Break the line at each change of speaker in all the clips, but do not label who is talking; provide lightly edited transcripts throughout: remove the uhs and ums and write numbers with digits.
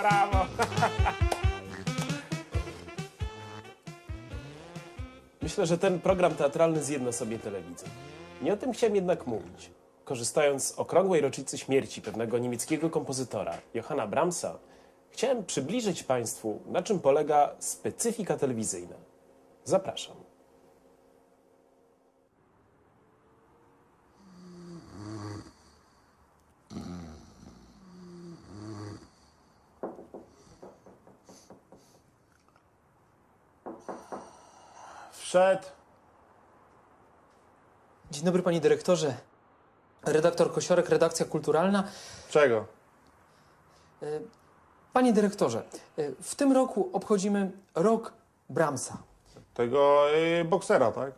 Brawo! Myślę, że ten program teatralny zjedna sobie telewizję. Nie o tym chciałem jednak mówić. Korzystając z okrągłej rocznicy śmierci pewnego niemieckiego kompozytora, Johanna Brahmsa, chciałem przybliżyć Państwu, na czym polega specyfika telewizyjna. Zapraszam.
Wszedł.
Dzień dobry, panie dyrektorze. Redaktor Kosiorek, redakcja kulturalna.
Czego?
Panie dyrektorze, w tym roku obchodzimy rok Brahmsa.
Tego boksera, tak?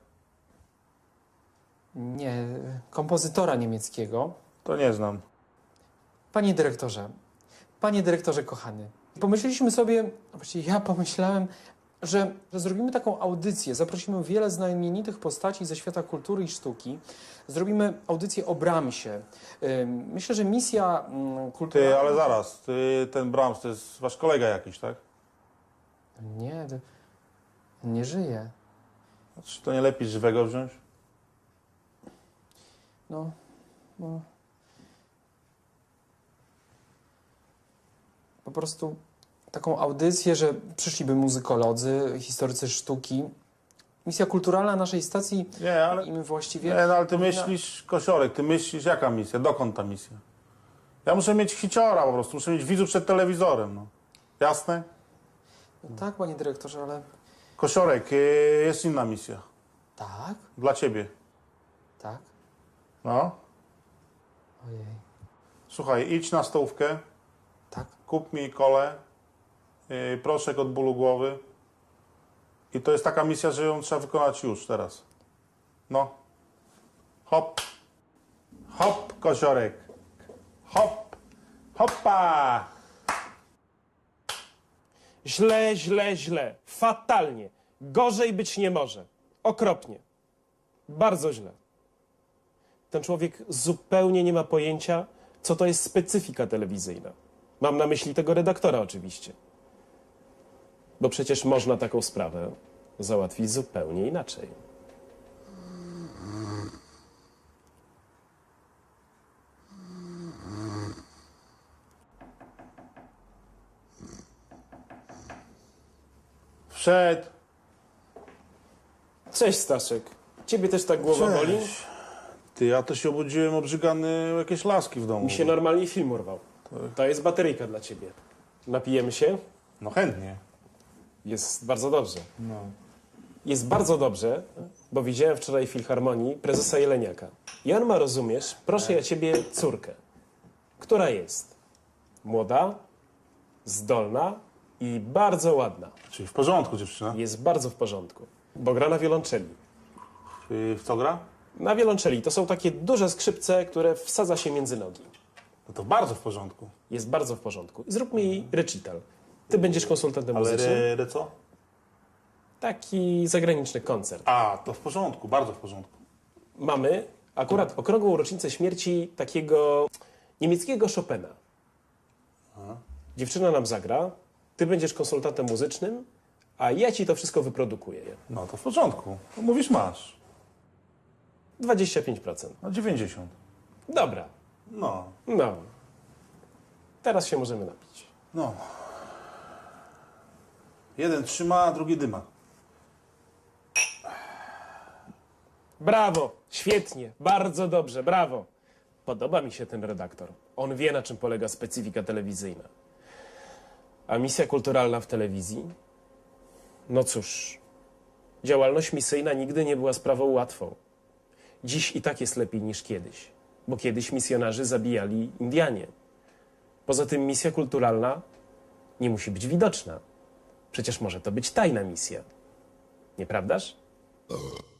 Nie, kompozytora niemieckiego.
To nie znam.
Panie dyrektorze kochany, pomyśleliśmy sobie, właściwie ja pomyślałem, że zrobimy taką audycję, zaprosimy wiele znamienitych postaci ze świata kultury i sztuki, zrobimy audycję o Brahmsie. Myślę, że misja kulturalna...
Ty, ale zaraz. Ten Brahms to jest wasz kolega jakiś, tak?
Nie, nie żyje.
Czy to nie lepiej żywego wziąć?
No. Po prostu taką audycję, że przyszliby muzykolodzy, historycy sztuki. Misja kulturalna naszej stacji
Nie, ale...
i my właściwie...
Nie, no ale ty
powinna-
myślisz, Kosiorek, ty myślisz, jaka misja? Dokąd ta misja? Ja muszę mieć hiciora po prostu, muszę mieć widzów przed telewizorem, no. Jasne?
Tak, panie dyrektorze, ale...
Kosiorek, jest inna misja.
Tak?
Dla ciebie.
Tak?
No.
Ojej.
Słuchaj, idź na stołówkę,
Tak?
kup mi kolę, proszek od bólu głowy. I to jest taka misja, że ją trzeba wykonać już, teraz. No. Hop. Hop, Kosiorek. Hop. Hoppa.
Źle, źle, źle. Fatalnie. Gorzej być nie może. Okropnie. Bardzo źle. Ten człowiek zupełnie nie ma pojęcia, co to jest specyfika telewizyjna. Mam na myśli tego redaktora oczywiście. Bo przecież można taką sprawę załatwić zupełnie inaczej.
Wszedł.
Cześć, Staszek. Ciebie też tak głowa boli?
Ty, ja to się obudziłem obrzygany o jakieś laski w domu.
Mi się normalnie film urwał. To jest bateryjka dla ciebie. Napijemy się?
No chętnie.
Jest bardzo dobrze.
No.
Jest bardzo dobrze, bo widziałem wczoraj w Filharmonii prezesa Jeleniaka. I on ma, rozumiesz, proszę ja ciebie, córkę, która jest młoda, zdolna i bardzo ładna.
Czyli w porządku, dziewczyna.
Jest bardzo w porządku, bo gra na wiolonczeli.
W co gra?
Na wiolonczeli to są takie duże skrzypce, które wsadza się między nogi.
No to bardzo w porządku.
Jest bardzo w porządku. Zrób mi recital. Ty będziesz konsultantem
Ale
muzycznym.
co?
Taki zagraniczny koncert.
A, to w porządku, bardzo w porządku.
Mamy akurat okrągłą rocznicę śmierci takiego niemieckiego Chopina. Dziewczyna nam zagra, ty będziesz konsultantem muzycznym, a ja ci to wszystko wyprodukuję.
No to w porządku. No, mówisz masz.
25%.
No 90.
Dobra,
No.
no. Teraz się możemy napić.
No. Jeden trzyma, a drugi dyma.
Brawo, świetnie, bardzo dobrze, brawo. Podoba mi się ten redaktor. On wie, na czym polega specyfika telewizyjna. A misja kulturalna w telewizji? No cóż, działalność misyjna nigdy nie była sprawą łatwą. Dziś i tak jest lepiej niż kiedyś, bo kiedyś misjonarze zabijali Indianie. Poza tym misja kulturalna nie musi być widoczna. Przecież może to być tajna misja. Nieprawdaż?